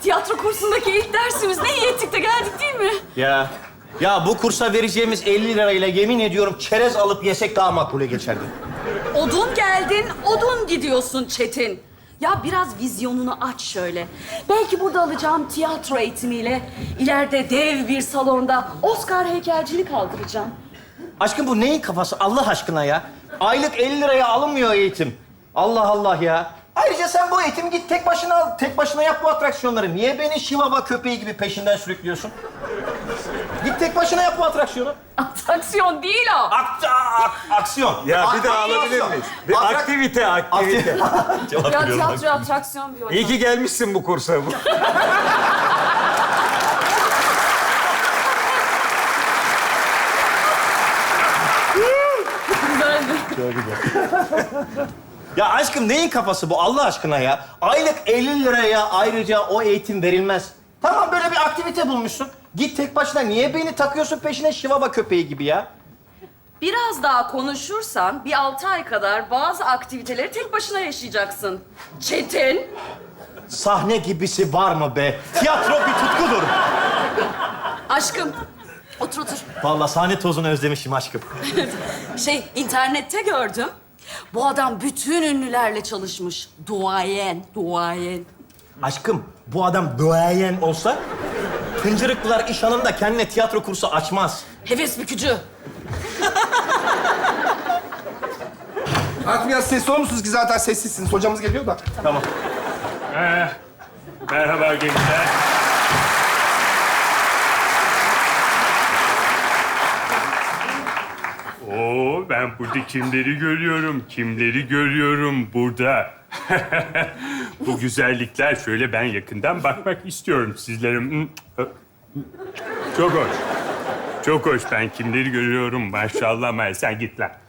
tiyatro kursundaki ilk dersimiz. Ne iyi ettik de geldik değil mi? Ya bu kursa vereceğimiz 50 lirayla yemin ediyorum çerez alıp yesek daha makbule geçerdi. Odun geldin, odun gidiyorsun Çetin. Ya biraz vizyonunu aç şöyle. Belki burada alacağım tiyatro eğitimiyle ileride dev bir salonda Oscar heykelcini kaldıracağım. Aşkım bu neyin kafası Allah aşkına ya? Aylık 50 liraya alınmıyor eğitim. Allah Allah ya. Ayrıca sen bu eğitimi git tek başına al. Tek başına yap bu atraksiyonları. Niye beni şivava köpeği gibi peşinden sürüklüyorsun? Git tek başına yap bu atraksiyonu. Atraksiyon değil o. Aksiyon. Ya bir daha alabilir miyiz? Bir aktivite. Ya tiyatro atraksiyon bir İyi ki gelmişsin bu kursa. Ya aşkım neyin kafası bu Allah aşkına ya? Aylık 50 liraya ayrıca o eğitim verilmez. Tamam böyle bir aktivite bulmuşsun. Git tek başına. Niye beni takıyorsun peşine şivava köpeği gibi ya? Biraz daha konuşursan bir 6 ay kadar bazı aktiviteleri tek başına yaşayacaksın. Çetin. Sahne gibisi var mı be? Tiyatro bir tutkudur. Aşkım. Otur otur. Vallahi sahne tozunu özlemişim aşkım. İnternette gördüm. Bu adam bütün ünlülerle çalışmış. Duayen. Aşkım bu adam duayen olsa Hıncırıklılar iş hanım da kendine tiyatro kursu açmaz. Heves bükücü. Artık biraz sesli olur musunuz ki zaten sessizsiniz. Hocamız geliyor da. Tamam. Merhaba gençler. Oo, ben burada kimleri görüyorum burada. Bu güzellikler şöyle ben yakından bakmak istiyorum sizlere. Çok hoş ben kimleri görüyorum maşallah. Sen git lan.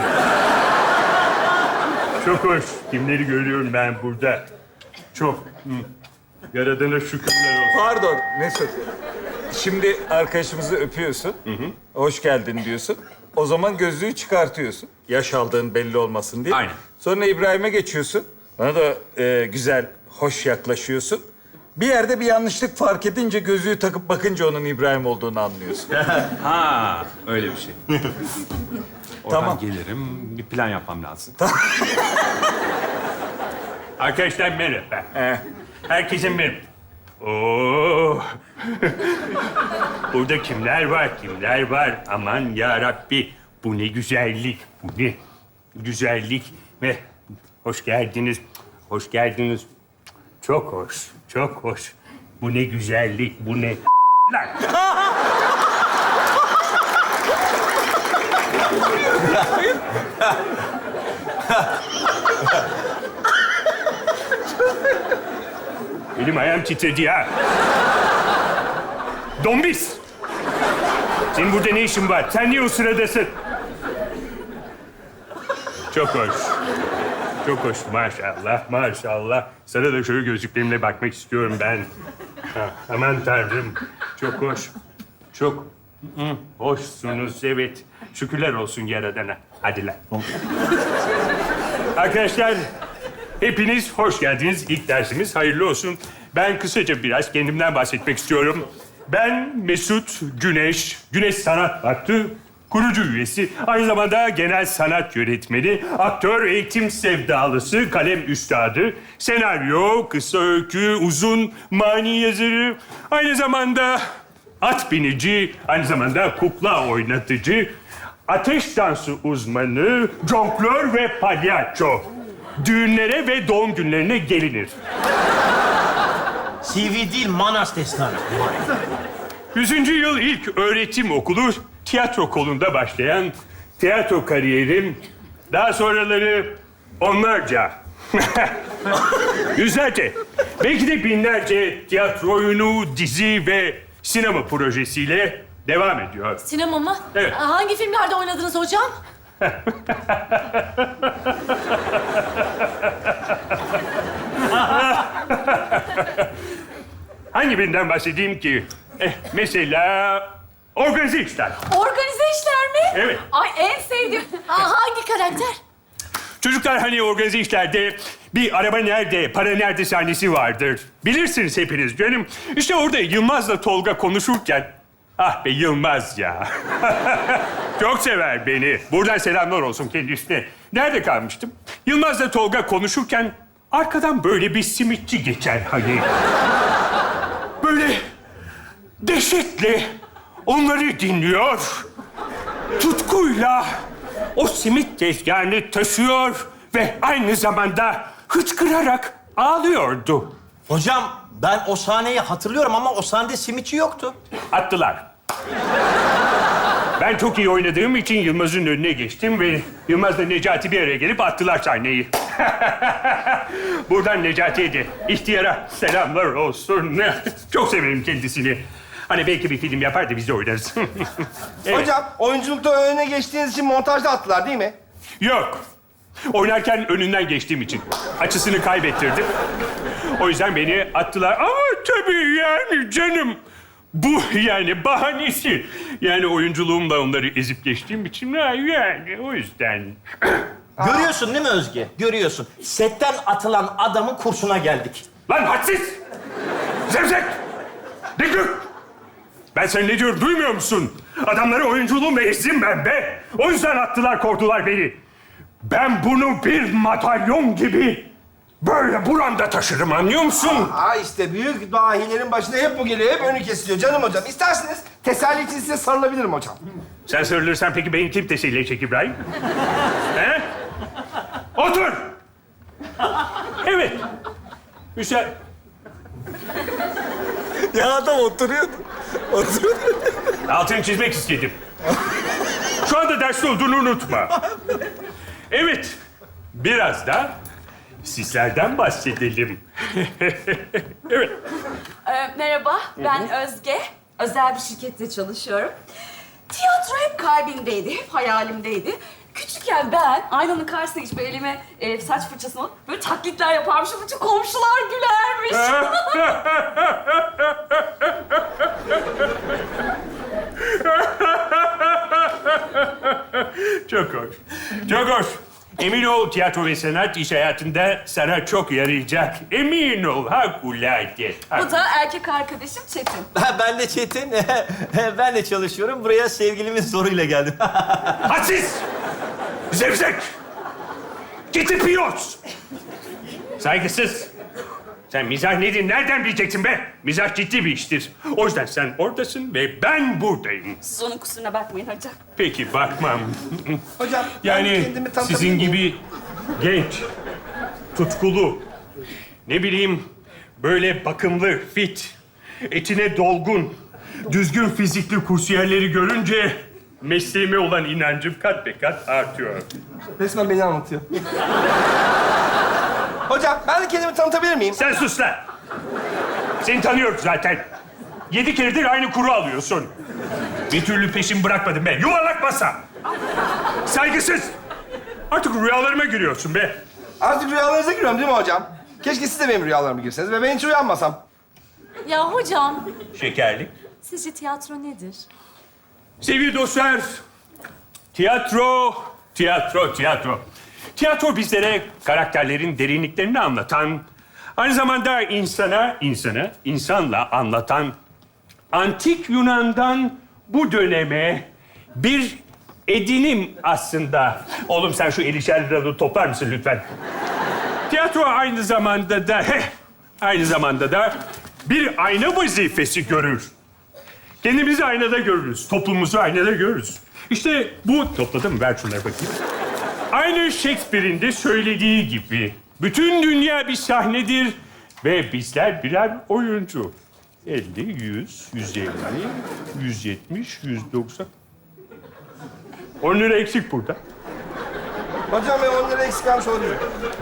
Çok hoş kimleri görüyorum ben burada. Çok. Yaradana şükürler olsun. Pardon Mesut. Şimdi arkadaşımızı öpüyorsun. Hoş geldin diyorsun. O zaman gözlüğü çıkartıyorsun. Yaş aldığın belli olmasın diye. Aynen. Sonra İbrahim'e geçiyorsun. Bana da güzel, hoş yaklaşıyorsun. Bir yerde bir yanlışlık fark edince gözlüğü takıp bakınca onun İbrahim olduğunu anlıyorsun. Ha, öyle bir şey. Oradan Tamam. gelirim, bir plan yapmam lazım. Arkadaşlar merhaba. Herkese merhaba. Oo. Burada kimler var? Aman ya Rabbi. Bu ne güzellik. Bu ne güzellik. Ve hoş geldiniz. Çok hoş. Bu ne güzellik. Bu ne lan. Elim ayağım titredi ya. Dombis! Senin burada ne işin var? Sen niye o sıradasın? Çok hoş. Maşallah. Sana da şöyle gözlüklerimle bakmak istiyorum ben. Aman Tanrım. Çok hoş. Çok hoşsunuz, evet. Şükürler olsun Yaradan'a. Hadi lan. Arkadaşlar, hepiniz hoş geldiniz. İlk dersimiz hayırlı olsun. Ben kısaca biraz kendimden bahsetmek istiyorum. Ben Mesut Güneş, Güneş Sanat Vakfı kurucu üyesi. Aynı zamanda genel sanat yönetmeni, aktör, eğitim sevdalısı, kalem üstadı, senaryo, kısa öykü, uzun, mani yazarı. Aynı zamanda at binici, aynı zamanda kukla oynatıcı, ateş dansı uzmanı, jonglör ve palyaço. Düğünlere ve doğum günlerine gelinir. CV değil Manas destanı. 100. yıl ilk öğretim okulu tiyatro kolunda başlayan tiyatro kariyerim, daha sonraları onlarca, yüzlerce, belki de binlerce tiyatro oyunu, dizi ve sinema projesiyle devam ediyor. Sinema mı? Evet. Hangi filmlerde oynadınız hocam? Hangi birinden bahsedeyim ki? Mesela organize işler. Organize işler mi? Evet. Ay en sevdiğim. Hangi karakter? Çocuklar hani organize işlerde bir araba nerede, para nerede sahnesi vardır. Bilirsiniz hepiniz canım. İşte orada Yılmaz'la Tolga konuşurken... Ah be Yılmaz ya. Çok sever beni. Buradan selamlar olsun kendisine. Nerede kalmıştım? Yılmaz'la Tolga konuşurken arkadan böyle bir simitçi geçer hani. Böyle dehşetle onları dinliyor. Tutkuyla o simit tezgahını taşıyor ve aynı zamanda hıçkırarak ağlıyordu. Hocam ben o sahneyi hatırlıyorum ama o sahnede simitçi yoktu. Attılar. Ben çok iyi oynadığım için Yılmaz'ın önüne geçtim ve Yılmaz'la Necati bir araya gelip attılar sahneyi. Buradan Necati'ye de ihtiyara selamlar olsun. Çok severim kendisini. Hani belki bir film yapar da biz de oynarız. Evet. Hocam oyunculukta önüne geçtiğiniz için montajda attılar değil mi? Yok. Oynarken önünden geçtiğim için. Açısını kaybettirdim. O yüzden beni attılar. Ama tabii yani canım. Bu yani bahanesi. Yani oyunculuğumla onları ezip geçtiğim için yani o yüzden. Görüyorsun değil mi Özge? Görüyorsun. Setten atılan adamın kursuna geldik. Lan hadsiz! Zevzek! Dikdük! Ben sana ne diyorum duymuyor musun? Adamları oyunculuğumla ezdim ben be. O yüzden attılar, korktular beni. Ben bunu bir madalyon gibi böyle buramda taşırım, anlıyor musun? Aa işte büyük dahilerin başına hep bu geliyor. Hep önü kesiliyor canım hocam. İsterseniz teselli için size sarılabilirim hocam. Sen sarılırsan peki beni kim teselli edecek İbrahim? He? Otur! Evet. Güzel. Ya adam oturuyordu. Altını çizmek istedim. Şu anda derste olduğunu unutma. Evet. Biraz da sizlerden bahsedelim. Evet. Merhaba, ben Özge. Özel bir şirkette çalışıyorum. Tiyatro hep kalbimdeydi, hep hayalimdeydi. Küçükken ben aynanın karşısına geçip elime saç fırçasını alıp böyle taklitler yaparmışım. Bütün komşular gülermiş. Çok hoş. Çok hoş. Emin ol tiyatro ve sanat iş hayatında sana çok yarayacak. Emin ol harikulade. Bu da erkek arkadaşım Çetin. Ben de Çetin. Ben de çalışıyorum. Buraya sevgilimin zoruyla geldim. Hadsiz! Zevzek! Gitti piyos! Saygısız! Sen mizah nedir, nereden bileceksin be? Mizah ciddi bir iştir. O yüzden sen oradasın ve ben buradayım. Siz onun kusuruna bakmayın hocam. Peki, bakmam. Hocam ben Yani kendimi tanıtabilir sizin miyim? gibi genç, tutkulu, ne bileyim böyle bakımlı, fit, etine dolgun, düzgün fizikli kursiyerleri görünce mesleğime olan inancım kat be kat artıyor. Resmen beni anlatıyor. Hocam ben de kendimi tanıtabilir miyim? Sen sus lan! Seni tanıyorum zaten. 7 keredir aynı kuru alıyorsun. Bir türlü peşin bırakmadın be. Yuvarlak masa! Saygısız! Artık rüyalarıma giriyorsun be. Artık rüyalarınıza giriyorum değil mi hocam? Keşke siz de benim rüyalarıma girseniz ve ben hiç uyanmasam. Ya hocam, Şekerlik. sizce tiyatro nedir? Sevgili dostlar, tiyatro. Tiyatro bizlere karakterlerin derinliklerini anlatan, aynı zamanda insanla anlatan, antik Yunan'dan bu döneme bir edinim aslında. Oğlum sen şu 50'şer liralığı toplar mısın lütfen? Tiyatro aynı zamanda da bir ayna vazifesi görür. Kendimizi aynada görürüz, toplumumuzu aynada görürüz. İşte bu... Topladım mı? Ver şunları bakayım. Aynı Shakespeare'in de söylediği gibi bütün dünya bir sahnedir ve bizler birer oyuncu. 50, 100, 150, 170, 190... 10 lira eksik burada. Hocam ben 10 lira eksik almış olabilirim.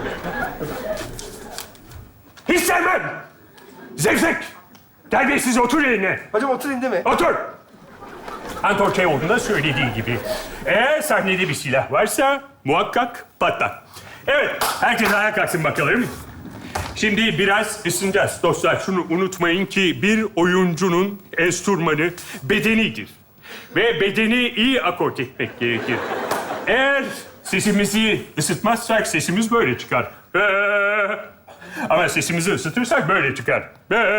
Hiç sevmem! Zevzek! Terbiyesiz otur yerine. Hocam oturayım değil mi? Otur! Anton Çehov'un da söylediği gibi. Eğer sahnede bir silah varsa muhakkak patlar. Evet, herkes ayağa kalksın bakalım. Şimdi biraz ısınacağız dostlar. Şunu unutmayın ki bir oyuncunun enstrümanı bedenidir. Ve bedeni iyi akort etmek gerekir. Eğer Sesimizi ısıtmazsak sesimiz böyle çıkar. Ama sesimizi ısıtırsak böyle çıkar.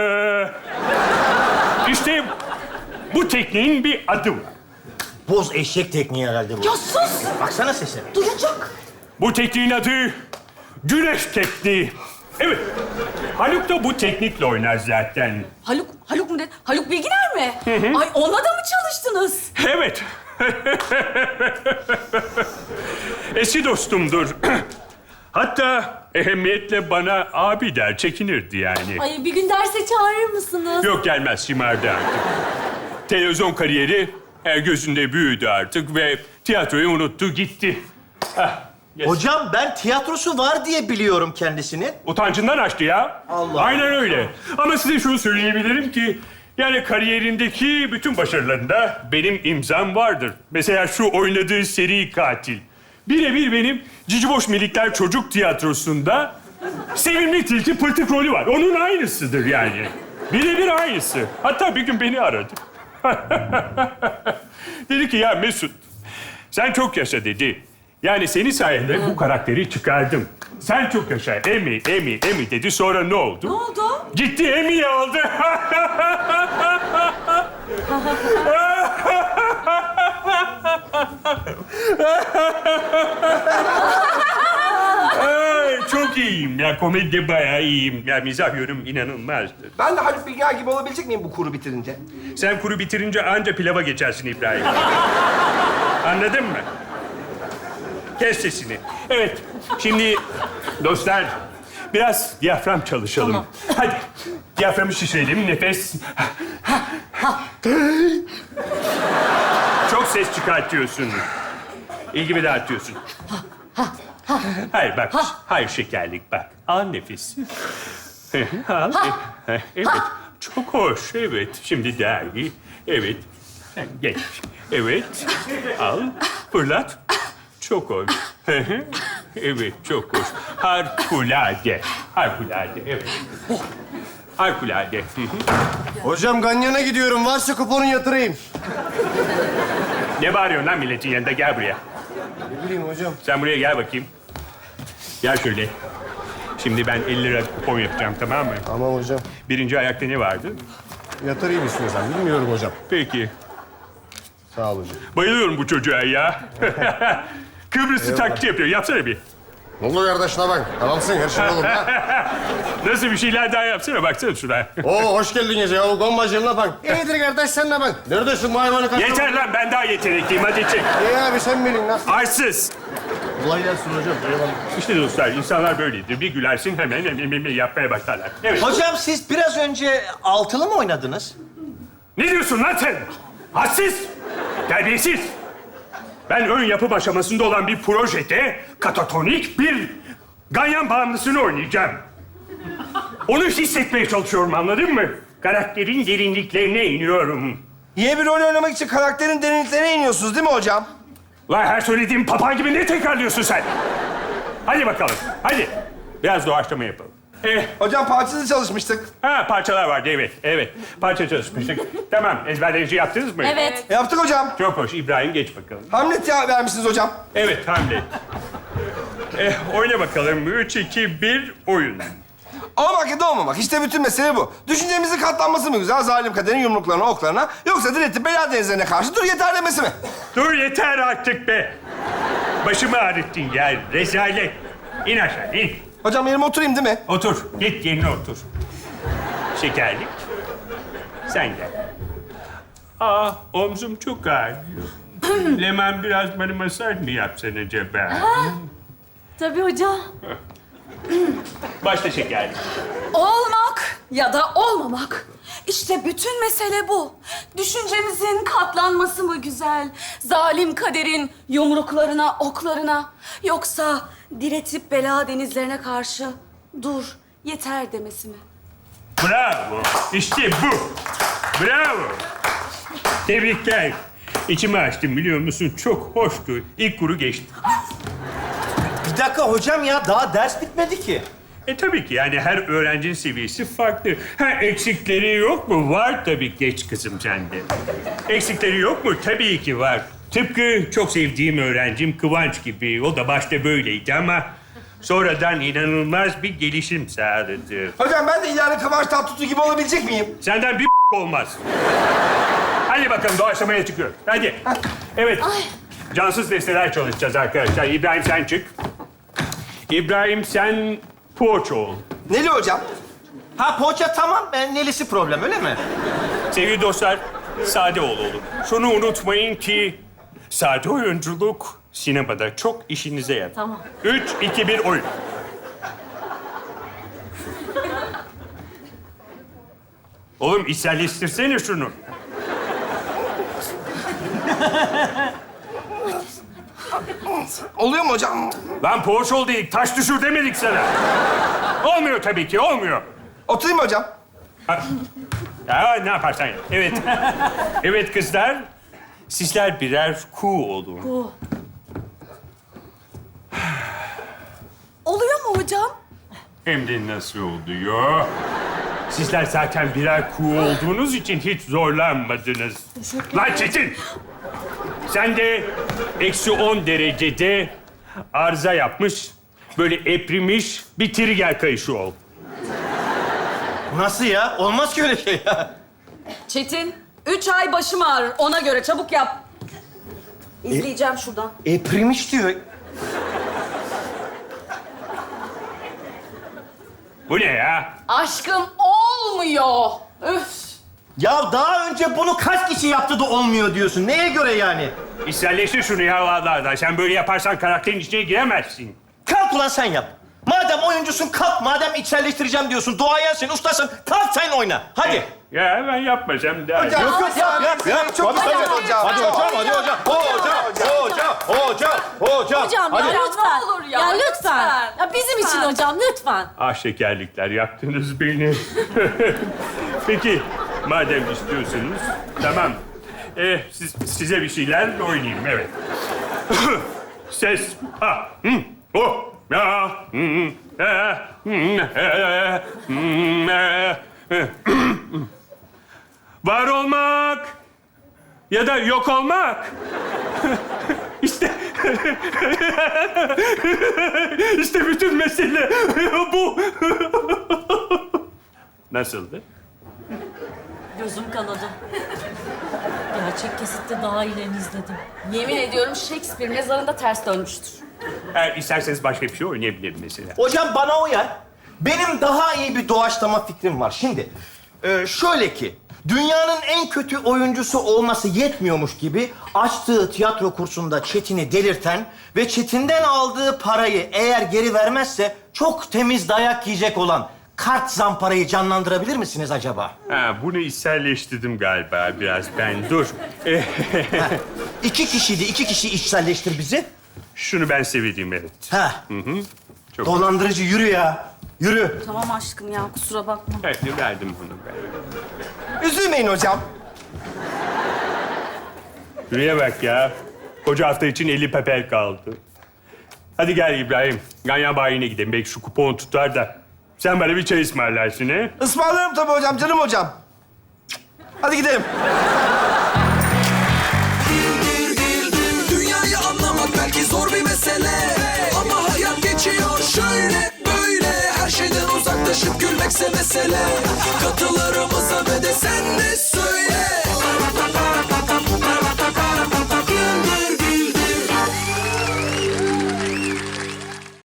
İşte bu tekniğin bir adı var. Boz eşek tekniği herhalde bu. Ya sus! Baksana sesine. Duyacak. Bu tekniğin adı güneş tekniği. Evet. Haluk da bu teknikle oynar zaten. Haluk mu dedi? Haluk Bilginer mi? Ay onunla da mı çalıştınız? Evet. Eski dostumdur. Hatta ehemmiyetle bana abi der, çekinirdi yani. Ay bir gün derse çağırır mısınız? Yok gelmez, şımardı artık. Televizyon kariyeri gözünde büyüdü artık ve tiyatroyu unuttu, gitti. Hah, yes. Hocam ben tiyatrosu var diye biliyorum kendisini. Utancından açtı ya. Allah. Aynen öyle. Ama size şunu söyleyebilirim ki... yani kariyerindeki bütün başarılarında benim imzam vardır. Mesela şu oynadığı seri katil. Birebir benim Ciciboş Melikler Çocuk Tiyatrosu'nda Sevimli Tilki Pırtık rolü var. Onun aynısıdır yani. Birebir aynısı. Hatta bir gün beni aradı. Dedi ki ya Mesut, sen çok yaşa dedi. Yani senin sayende bu karakteri çıkardım. Sen çok yaşa. Emi dedi. Sonra ne oldu? Ne oldu? Gitti Emmy'yi aldı. Ay, çok iyiyim ya. Komedide bayağı iyiyim. Ya mizah yönüm inanılmazdır. Ben de Haluk Bilginer gibi olabilecek miyim bu kuru bitirince? Sen kuru bitirince anca pilava geçersin İbrahim. Anladın mı? Kes sesini. Evet, şimdi dostlar biraz diyafram çalışalım. Tamam. Hadi, diyaframı şişirelim, nefes. Çok ses çıkartıyorsun. İlgimi dağıtıyorsun. Hayır bak, hayır şekerlik bak. Al nefes. Al. Evet, çok hoş. Evet, şimdi daha iyi. Evet, sen geç. Evet, al, fırlat. Çok hoş. Evet, çok hoş. Harikulade. Harikulade, evet. Harikulade. Hocam Ganyan'a gidiyorum. Varsa kuponu yatırayım. Ne bağırıyorsun lan milletin yanında? Gel buraya. Ne bileyim hocam. Sen buraya gel bakayım. Gel şöyle. Şimdi ben 50 lira kupon yapacağım, tamam mı? Tamam hocam. Birinci ayakta ne vardı? Yatırayım istiyorsan. Bilmiyorum hocam. Peki. Sağ ol hocam. Bayılıyorum bu çocuğa ya. Kıbrıs'ı taklidi yapıyor. Yapsana bir. Ne oldu kardeşine bak. Tamamsın her şey olur ha. Nasıl bir şeyler daha yapsana. Baksana şuna. Oo hoş geldin gece ya. Gombacığım ne bak. İyidir kardeş sen ne bak. Neredesin bu hayvanı kaçırdın? Yeter lan, ben daha yetenekliyim. Hadi çek. İyi abi sen bilin nasıl? Arsız. Kolay gelsin hocam. Eyvallah. İşte dostlar, insanlar böyledir. Bir gülersin hemen yapmaya başlarlar. Evet. Hocam siz biraz önce altılı mı oynadınız? Ne diyorsun lan sen? Hadsiz! Terbiyesiz! Ben ön yapım aşamasında olan bir projede katatonik bir ganyan bağımlısını oynayacağım. Onu hissetmeye çalışıyorum, anladın mı? Karakterin derinliklerine iniyorum. Yeni bir rol oynamak için karakterin derinliklerine iniyorsunuz değil mi hocam? Lan her söylediğim papağan gibi ne tekrarlıyorsun sen? Hadi bakalım, hadi. Biraz doğaçlama yapalım. Hocam parçasız çalışmıştık. Parçalar vardı, evet. Parça çalışmıştık. Tamam, ezberleyici yaptınız mı? Evet. Yaptık hocam. Çok hoş. İbrahim geç bakalım. Hamlet ya vermişsiniz hocam. Evet, Hamlet. Oyna bakalım. 3, 2, 1, oyun. Olmak ya da olmamak. İşte bütün mesele bu. Düşüncemizin katlanması mı güzel? Zalim kaderin yumruklarına, oklarına. Yoksa diretip bela denizlerine karşı dur yeter demesi mi? Dur yeter artık be. Başımı ağrıttın ya. Rezalet. İn aşağı, in. Hocam yerime oturayım değil mi? Otur. Git yerine otur. Şekerlik. Sen gel. Omzum çok ağrıyor. Leman biraz bana masaj mı yapsan acaba? Tabii hocam. Başla şekerlik. Olmak ya da olmamak. İşte bütün mesele bu. Düşüncemizin katlanması mı güzel? Zalim kaderin yumruklarına, oklarına. Yoksa diretip bela denizlerine karşı dur, yeter demesi mi? Bravo. İşte bu. Bravo. Tebrikler. İçimi açtım biliyor musun? Çok hoştu. İlk kuru geçti. Bir dakika hocam ya daha ders bitmedi ki. Tabii ki yani her öğrencinin seviyesi farklı. Eksikleri yok mu? Var tabii, geç kızım sende. Eksikleri yok mu? Tabii ki var. Tıpkı çok sevdiğim öğrencim Kıvanç gibi. O da başta böyleydi ama sonradan inanılmaz bir gelişim sağladı. Hocam ben de ileride Kıvanç Tatlıtuğ gibi olabilecek miyim? Senden bir olmaz. Hadi bakalım doğaçlamaya çıkıyoruz. Hadi. Evet. Cansız desteler çalışacağız arkadaşlar. İbrahim sen çık. İbrahim sen poğaça ol. Neli hocam? Ha poğaça tamam. Ben nelisi problem öyle mi? Sevgili dostlar, sade ol olur. Şunu unutmayın ki sade oyunculuk sinemada çok işinize yarar. Tamam. 3, 2, 1 oyun. Oğlum içselleştirsene şunu. Oluyor mu hocam? Lan poğaça ol dedik, taş düşür demedik sana. Olmuyor tabii ki, olmuyor. Oturayım mı hocam? Ya ne yaparsan yap. Evet. Evet kızlar, sizler birer kuğu olun. Oluyor mu hocam? Hem de nasıl oluyor? Sizler zaten birer kuğu olduğunuz için hiç zorlanmadınız. Lan Çetin! Sen de -10 derecede arıza yapmış, böyle eprimiş bir trigger kayışı ol. Nasıl ya? Olmaz ki öyle şey ya. Çetin, 3 ay başım ağrır. Ona göre çabuk yap. İzleyeceğim şuradan. Eprimiş diyor. Bu ne ya? Aşkım olmuyor. Üf. Ya daha önce bunu kaç kişi yaptı da olmuyor diyorsun. Neye göre yani? İçselleştir şunu ya vallahi. Sen böyle yaparsan karakterin içine giremezsin. Kalk ulan sen yap. Madem oyuncusun kalk. Madem içselleştireceğim diyorsun. Duayensin, ustasın. Kalk sen oyna. Hadi. Ya ben yapmasam daha iyi. Hocam, Yap. çok Tabii, güzel tabii. hocam. Hadi hocam, hadi hocam. Hocam. Hocam Hadi. ya lütfen. ne olur ya, lütfen. lütfen. Ya bizim için hocam lütfen. Ah şekerlikler, yaktınız beni. Peki, madem istiyorsunuz, tamam. Size bir şeyler oynayayım, evet. Ses, ha, o, ya, var olmak ya da yok olmak. İşte, işte bütün mesele bu. Nasıldı? Gözüm kanadı. Gerçek kesitte daha iyilerini izledim. Yemin ediyorum Shakespeare mezarında ters dönmüştür. Eğer isterseniz başka bir şey oynayabilirim mesela. Hocam bana uyar. Benim daha iyi bir doğaçlama fikrim var. Şimdi şöyle ki dünyanın en kötü oyuncusu olması yetmiyormuş gibi açtığı tiyatro kursunda Çetin'i delirten ve Çetin'den aldığı parayı eğer geri vermezse çok temiz dayak yiyecek olan kart zamparayı canlandırabilir misiniz acaba? Ha, bunu içselleştirdim galiba biraz ben. Dur. 2 kişiydi. 2 kişi içselleştir bizi. Şunu ben sevdiğim, evet. Ha. Çok Dolandırıcı yürü ya. Yürü. Tamam aşkım ya kusura bakma. evet, verdim bunu ben. Üzülmeyin hocam. Şuraya bak ya. Koca hafta için 50 pepel kaldı. Hadi gel İbrahim. Ganyan bayine gidelim. Belki şu kupon tutar da. Sen bana bir çay ısmarlarsın he? Ismarlarım tabii hocam, canım hocam. Hadi gidelim. Dünyayı anlamak belki zor bir mesele, ama hayat geçiyor şöyle böyle. Her şeyden uzaklaşıp gülmekse mesele. Katılarımıza ve de sen de